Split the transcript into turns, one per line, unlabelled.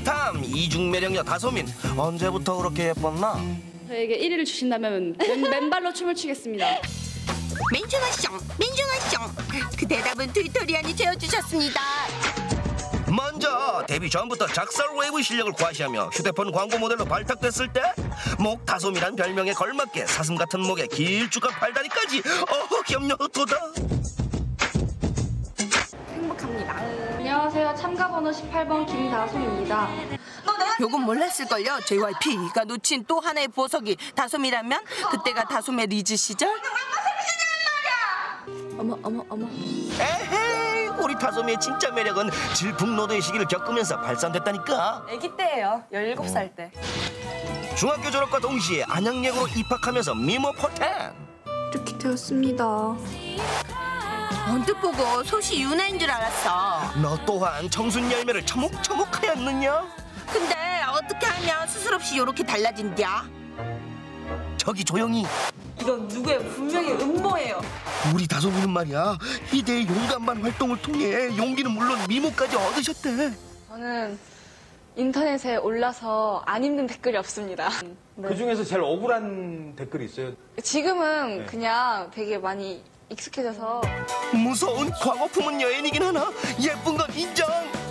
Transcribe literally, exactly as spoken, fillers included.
타임 이중 매력녀 다솜인 언제부터 그렇게 예뻤나?
저에게 일 위를 주신다면 맨, 맨발로 춤을 추겠습니다.
민준아숑 민준아숑 그 대답은 튜토리안이 채워주셨습니다.
먼저 데뷔 전부터 작살 웨이브 실력을 과시하며 휴대폰 광고 모델로 발탁됐을 때 목 다솜이란 별명에 걸맞게 사슴 같은 목에 길쭉한 팔다리까지 어허 염려도다.
행복합니다. 안녕하세요. 참가번호 십팔 번 김다솜입니다.
요건 몰랐을걸요. 제이와이피가 놓친 또 하나의 보석이 다솜이라면 그때가 다솜의 리즈 시절?
어머 어머 어머.
에헤이 우리 다솜이의 진짜 매력은 질풍노도의 시기를 겪으면서 발산됐다니까.
아기 때예요. 열일곱 살 때.
중학교 졸업과 동시에 안양예고로 입학하면서 미모 포텐.
이렇게 되었습니다.
언뜻 보고 솥이 유나인 줄 알았어.
너 또한 청순 열매를 처목처목하였느냐?
근데 어떻게 하면 스스로 없이 요렇게 달라진디야?
저기 조용히.
이건 누구의 분명히 음모예요.
우리 다솜이는 말이야 이대의 용감한 활동을 통해 용기는 물론 미모까지 얻으셨대.
저는 인터넷에 올라서 안 힘든 댓글이 없습니다. 네.
그 중에서 제일 억울한 댓글이 있어요.
지금은
네.
그냥 되게 많이 익숙해져서
무서운 광어 품은 여인이긴 하나 예쁜 건 인정.